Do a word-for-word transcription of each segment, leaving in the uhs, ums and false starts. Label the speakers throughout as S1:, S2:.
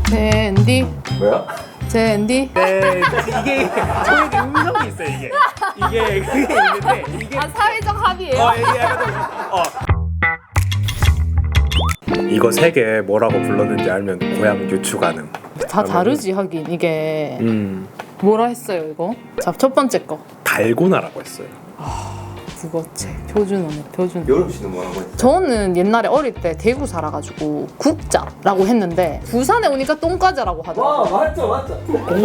S1: 젠디.
S2: 뭐야?
S1: 젠디.
S3: 네, 이게 저에게 음성이 있어요. 이게 이게 그게 있는데 이게
S1: 아, 사회적 합의예요?
S3: 어 이게 약간 좀, 어 이거 세 개 뭐라고 불렀는지 알면 고향 유추 가능.
S1: 다 다르지 하긴. 이게
S3: 음
S1: 뭐라 했어요 이거? 자, 첫 번째 거
S3: 달고나라고 했어요.
S1: 국어책 표준어네 표준어.
S2: 여름 씨는 뭐라고 했어요?
S1: 저는 옛날에 어릴 때 대구 살아가지고 국자라고 했는데 부산에 오니까 똥과자라고 하더라고요.
S2: 맞죠 맞죠.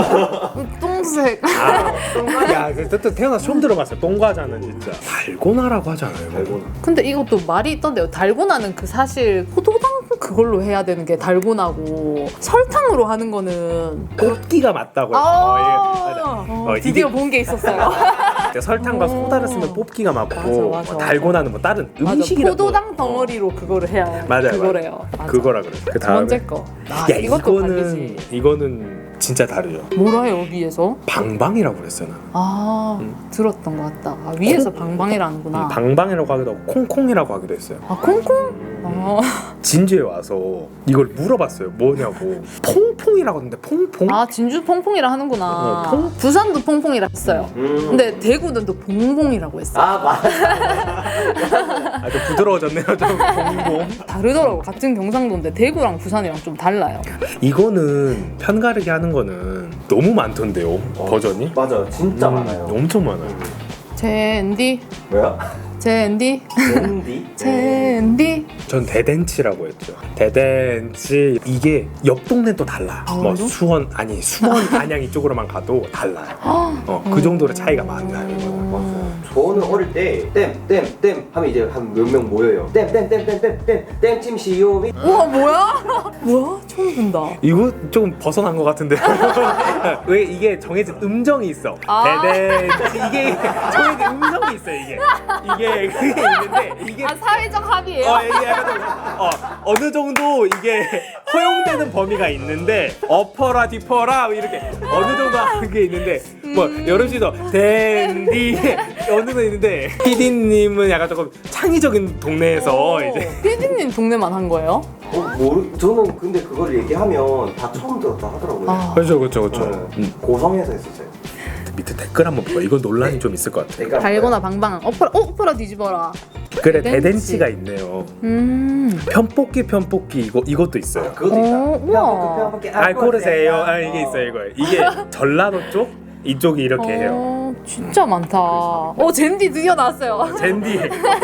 S1: 똥색.
S3: 아, 야, 그 또 태어나서 처음 들어봤어요. 똥과자는 진짜 달고나라고 하잖아요.
S2: 달고나.
S1: 근데 이것도 말이 있던데요. 달고나는 그 사실 포도당 그걸로 해야 되는 게 달고나고 설탕으로 하는 거는
S3: 뽑기가 맞다고.
S1: 아,
S3: 어, 이게, 맞아.
S1: 어,
S3: 어,
S1: 드디어
S3: 이게
S1: 본 게 있었어요.
S3: 설탕과
S1: 어.
S3: 소다를 쓰면 뽑기가 맞고
S1: 맞아, 맞아,
S3: 달고나는 뭐 다른
S1: 맞아,
S3: 음식이라고.
S1: 포도당 덩어리로 그거를 해야
S3: 맞아요,
S1: 그거래요. 맞아.
S3: 그거라 그래. 그
S1: 두
S3: 다음에
S1: 번째 거. 아,
S3: 야
S1: 이것도
S3: 이거는
S1: 다르지.
S3: 이거는 진짜 다르죠.
S1: 뭐라 해요 위에서?
S3: 방방이라고 그랬어요 나는.
S1: 아
S3: 음.
S1: 들었던 것 같다. 아, 위에서 방방이라는구나.
S3: 음, 방방이라고 하기도 하고 콩콩이라고 하기도 했어요.
S1: 아 콩콩? 어.
S3: 진주에 와서 이걸 물어봤어요. 뭐냐고. 퐁퐁이라고 하는데 퐁퐁?
S1: 아 진주 퐁퐁이라 하는구나.
S3: 어, 퐁?
S1: 부산도 퐁퐁이라 했어요.
S2: 음.
S1: 근데 대구는 또 봉봉이라고 했어요.
S2: 아 맞아.
S3: 아주 부드러워졌네요. 좀 봉봉.
S1: 다르더라고. 같은 경상도인데 대구랑 부산이랑 좀 달라요.
S3: 이거는 편가르기 하는 거는 너무 많던데요. 버전이?
S2: 맞아 진짜
S3: 음,
S2: 많아요.
S3: 엄청 많아요.
S1: 젠디.
S2: 뭐야?
S1: 젠디.
S2: 젠디?
S1: 젠디.
S3: 전 대댄치라고 했죠. 대댄치 이게 옆 동네 또 달라.
S1: 아,
S3: 뭐
S1: 그래요?
S3: 수원 아니 수원 안양 이쪽으로만 가도 달라요. 어, 그 정도로 차이가 많나요. 이거는.
S2: 맞아요. 저는 어릴 때 땜 땜 땜 하면 이제 한 몇 명 모여요. 땜 땜 땜 땜 땜 땜 땜찜 시오미.
S1: 우와 뭐야? 뭐야? 처음 본다.
S3: 이거 좀 벗어난 것 같은데. 왜 이게 정해진 음정이 있어.
S1: 아.
S3: 대댄치 이게 정해진 음정이 있어요. 이게 이게 그게 있는데 이게
S1: 아 사회적 합의예요?
S3: 어, 이게 약간 좀, 어, 어느 정도 이게 허용되는 범위가 있는데 어퍼라 디퍼라 이렇게 어느 정도 하는 게 있는데 뭐 여름 씨도 댄디 어느 정도 있는데 피디님은 약간 조금 창의적인 동네에서 이제
S1: 피디님 동네만 한 거예요?
S2: 어, 모르. 저는 근데 그걸 얘기하면 다 처음 들었다 하더라고요.
S1: 아.
S3: 그렇죠 그렇죠 그렇죠.
S2: 네.
S3: 음.
S2: 고성에서 했었어요.
S3: 밑에 댓글 한번 봐. 이거 논란이 좀 있을 것 같아.
S2: 그러니까
S1: 달고나 방방. 엎어라, 어, 엎어라 뒤집어라.
S3: 그래
S1: 대댄치.
S3: 대댄치가 있네요.
S1: 음.
S3: 편뽑기 편뽑기 이거 이것도 있어요.
S2: 아, 그것도
S1: 어,
S2: 있다.
S1: 우와.
S3: 알 고르세요. 아 이게 있어요 이거. 이게 전라도 쪽 이쪽이 이렇게 해요.
S1: 어, 진짜 많다. 어, 젠디 드디어 나왔어요.
S3: 젠디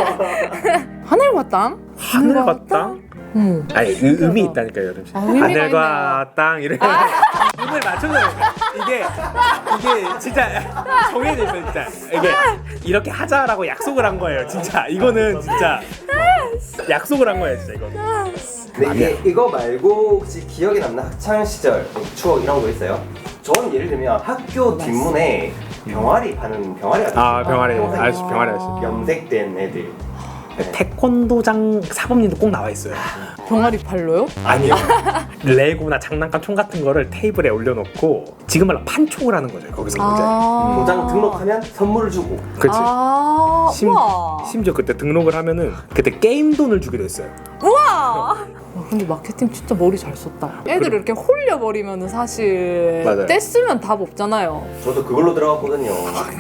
S1: 하늘과 땅?
S3: 하늘과 땅?
S1: 어.
S3: 아니 의, 의미 있다니까요 여름 씨.
S1: 아, 의미가
S3: 하늘과 땅 이렇게 음을 맞춰줘야 돼. 이게 이게 진짜 정해져 있어 진짜. 이게 이렇게 하자라고 약속을 한 거예요 진짜. 이거는 진짜 약속을 한 거예요 진짜 이거는.
S2: 근데 이게 이거 말고 혹시 기억에 남는 학창 시절 추억 이런 거 있어요? 저는 예를 들면 학교 뒷문에 병아리 파는 병아리 아저씨.
S3: 아 병아리
S2: 평생
S3: 아저씨 병아리 아저씨.
S2: 염색된 애들.
S3: 태권도장 사범님도 꼭 나와 있어요.
S1: 병아리 팔로요?
S3: 아니요. 레고나 장난감 총 같은 거를 테이블에 올려놓고 지금 말로 판촉을 하는 거죠 거기서 이제.
S1: 아.
S2: 도장 등록하면 선물을 주고.
S3: 그렇지.
S1: 아.
S3: 심,
S1: 우와.
S3: 심지어 그때 등록을 하면은 그때 게임 돈을 주기로 했어요.
S1: 우와. 와, 근데 마케팅 진짜 머리 잘 썼다. 애들 이렇게 홀려버리면 사실
S3: 맞아요.
S1: 떼쓰면 답 없잖아요.
S2: 저도 그걸로 들어갔거든요.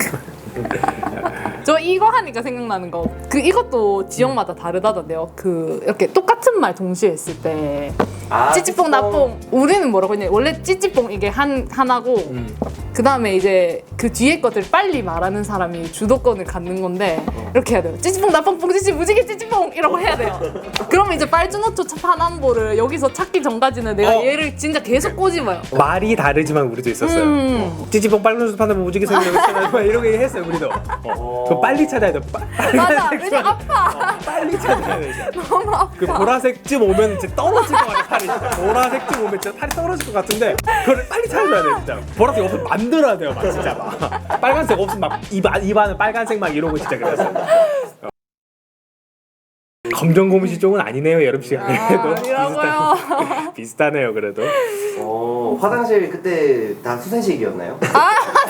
S1: 저 이거 하니까 생각나는 거. 그 이것도 지역마다 다르다던데요. 그 이렇게 똑같은 말 동시에 했을 때
S2: 아,
S1: 찌찌뽕 나뽕. 우리는 뭐라고 했냐? 원래 찌찌뽕 이게 한 하나고
S3: 음.
S1: 그 다음에 이제 그 뒤에 것들 빨리 말하는 사람이 주도권을 갖는 건데 이렇게 해야 돼요. 찌찌뽕 나뽕뽕 찌찌 무지개 찌찌뽕 이라고 해야 돼요. 그러면 이제 빨주노초 파남보를 여기서 찾기 전까지는 내가
S3: 어.
S1: 얘를 진짜 계속 꼬집어요.
S3: 말이 다르지만 우리도 있었어요.
S1: 음.
S3: 어. 찌찌뽕 빨간색 판다면 무지개 생기고 있잖아. 이렇게 했어요 우리도. 어. 그거 빨리 찾아야 돼. 빠-
S1: 맞아.
S3: 빨간색
S1: 왜냐 아파.
S3: 빨리 찾아야 돼. 이제.
S1: 너무 아파.
S3: 그 보라색쯤 오면 이제 떨어질 것 같아 팔이. 진짜. 보라색쯤 오면 진짜 팔이 떨어질 것 같은데 그걸 빨리 찾아줘야 돼 진짜. 보라색 없으면 만들어야 돼요 막 진짜 막. 빨간색 없으면 막입 입안은 빨간색 막 이러고 진짜 그랬어요. 어. 검정 고무신 쪽은 아니네요 여름 씨가. 그래도
S1: 아니라고요.
S3: 비슷하, 비슷하네요 그래도.
S2: 어, 화장실 그때 다 수세식이었나요?
S1: 아